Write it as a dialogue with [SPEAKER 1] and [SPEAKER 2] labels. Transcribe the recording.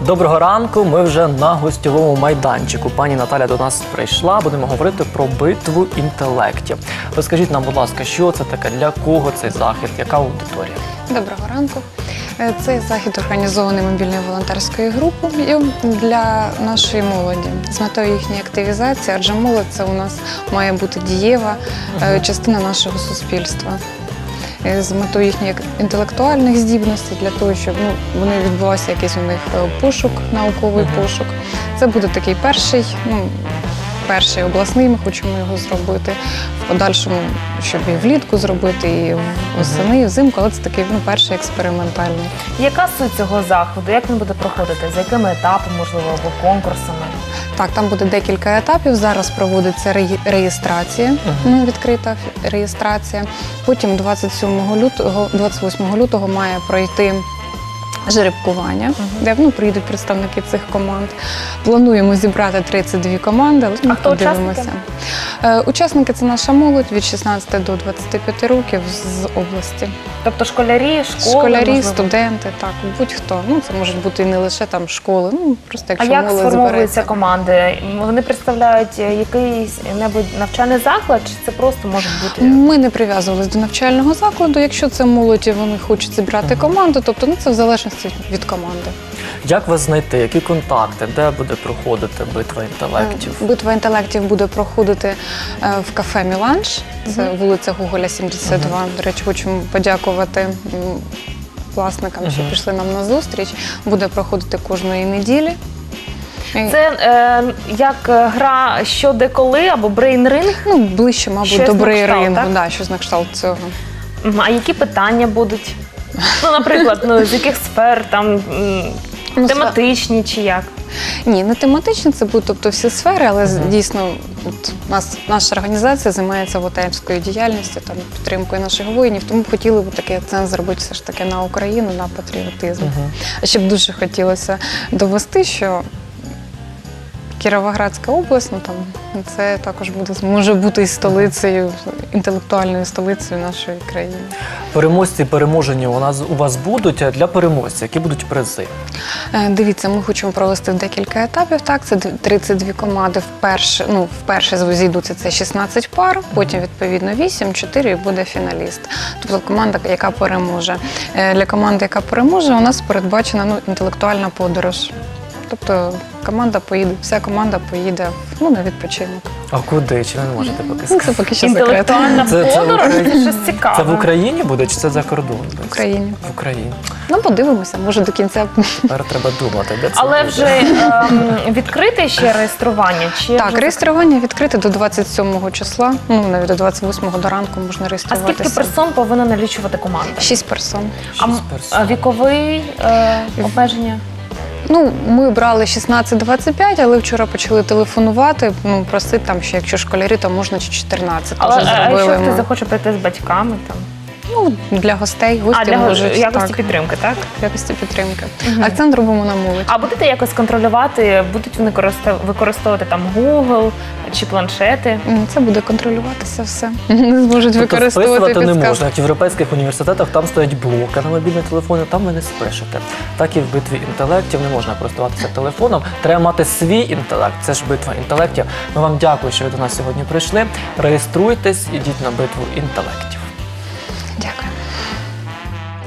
[SPEAKER 1] Доброго ранку, ми вже на гостьовому майданчику. Пані Наталя до нас прийшла, будемо говорити про битву інтелектів. Розкажіть нам, будь ласка, що це таке, для кого цей захід, яка аудиторія?
[SPEAKER 2] Доброго ранку. Цей захід організований мобільною волонтерською групою для нашої молоді з метою їхньої активізації, адже молодь – це у нас має бути дієва частина нашого суспільства. З метою їхніх інтелектуальних здібностей, для того, щоб вони відбувався якийсь у них пошук, науковий пошук. Це буде такий перший обласний, ми хочемо його зробити, в подальшому, щоб і влітку зробити, і восени, і взимку, але це такий перший експериментальний.
[SPEAKER 3] Яка суть цього заходу? Як він буде проходити? За якими етапами, можливо, або конкурсами?
[SPEAKER 2] Так, там буде декілька етапів. Зараз проводиться реєстрація, відкрита реєстрація. Потім 28 лютого має пройти жеребкування, де приїдуть представники цих команд. Плануємо зібрати 32 команди, але ми подивимося. Учасники – це наша молодь від 16 до 25 років з області.
[SPEAKER 3] Тобто школярі, школи,
[SPEAKER 2] школярі,
[SPEAKER 3] можливо?
[SPEAKER 2] студенти, так, будь-хто. Це можуть бути і не лише там школи, просто якщо
[SPEAKER 3] А як
[SPEAKER 2] молодь
[SPEAKER 3] сформовуються
[SPEAKER 2] збереться.
[SPEAKER 3] команди? Вони представляють якийсь навчальний заклад, чи це просто може бути?
[SPEAKER 2] Ми не прив'язувалися до навчального закладу. Якщо це молодь і вони хочуть зібрати команду, тобто це в залежності від команди.
[SPEAKER 1] Як вас знайти, які контакти, де буде проходити битва інтелектів?
[SPEAKER 2] Битва інтелектів буде проходити в кафе «Міланж», це вулиця Гоголя, 72. До речі, хочемо подякувати власникам, що пішли нам на зустріч. Буде проходити кожної неділі.
[SPEAKER 3] Це як гра «Що, де, коли» або брейн-ринг?
[SPEAKER 2] Ближче, мабуть,
[SPEAKER 3] Щось
[SPEAKER 2] до
[SPEAKER 3] на кшталт,
[SPEAKER 2] брейн-рингу,
[SPEAKER 3] так?
[SPEAKER 2] щось на кшталт цього.
[SPEAKER 3] А які питання будуть? Наприклад, з яких сфер, тематичні чи як?
[SPEAKER 2] Ні, не тематично, це будуть всі сфери, але дійсно наша організація займається волонтерською діяльністю, підтримкою наших воїнів, тому хотіли б такий акцент зробити все ж таки на Україну, на патріотизм. А ще б дуже хотілося довести, що Кіровоградська область, це також може бути і столицею, інтелектуальною столицею нашої країни.
[SPEAKER 1] Переможці, переможені у вас будуть, а для переможців які будуть призи?
[SPEAKER 2] Дивіться, ми хочемо провести декілька етапів. Так, це 32 команди. Вперше зійдуться це 16 пар, потім, відповідно, 8, 4 і буде фіналіст. Тобто команда, яка переможе. Для команди, яка переможе, у нас передбачена інтелектуальна подорож. Тобто вся команда поїде на відпочинок.
[SPEAKER 1] А куди? Чи ви не можете поки сказати?
[SPEAKER 2] Це поки що секрет.
[SPEAKER 3] Інтелектуальна подорож? Це щось цікаве.
[SPEAKER 1] Це в Україні буде чи це за кордоном?
[SPEAKER 2] В Україні.
[SPEAKER 1] В Україні.
[SPEAKER 2] Подивимося, може до кінця.
[SPEAKER 1] Тепер треба думати, де це
[SPEAKER 3] Але
[SPEAKER 1] буде.
[SPEAKER 3] вже відкрите ще реєстрування?
[SPEAKER 2] Так, реєстрування відкрите до 27 числа, навіть до 28-го до ранку можна
[SPEAKER 3] А
[SPEAKER 2] реєструватися.
[SPEAKER 3] скільки персон повинна налічувати команда?
[SPEAKER 2] 6 персон.
[SPEAKER 3] А віковий обмеження?
[SPEAKER 2] Ми брали 16-25, але вчора почали телефонувати, просити що якщо школярі, то можна чи 14.
[SPEAKER 3] А якщо хтось захоче прийти з батьками?
[SPEAKER 2] Для гостей, гості
[SPEAKER 3] для
[SPEAKER 2] можуть.
[SPEAKER 3] якості підтримки, так?
[SPEAKER 2] Якості підтримки. Акцент робимо на молодь.
[SPEAKER 3] А будете якось контролювати, будуть вони використовувати Google чи планшети?
[SPEAKER 2] Це буде контролюватися все. Не зможуть
[SPEAKER 1] Тобто
[SPEAKER 2] використовувати
[SPEAKER 1] списувати не
[SPEAKER 2] підказки.
[SPEAKER 1] можна. В європейських університетах там стоять блоки на мобільні телефони, там ви не спишете. Так і в битві інтелектів не можна користуватися телефоном. Треба мати свій інтелект, це ж битва інтелектів. Ми вам дякую, що ви до нас сьогодні прийшли. Реєструйтесь, ідіть на битву інтелектів.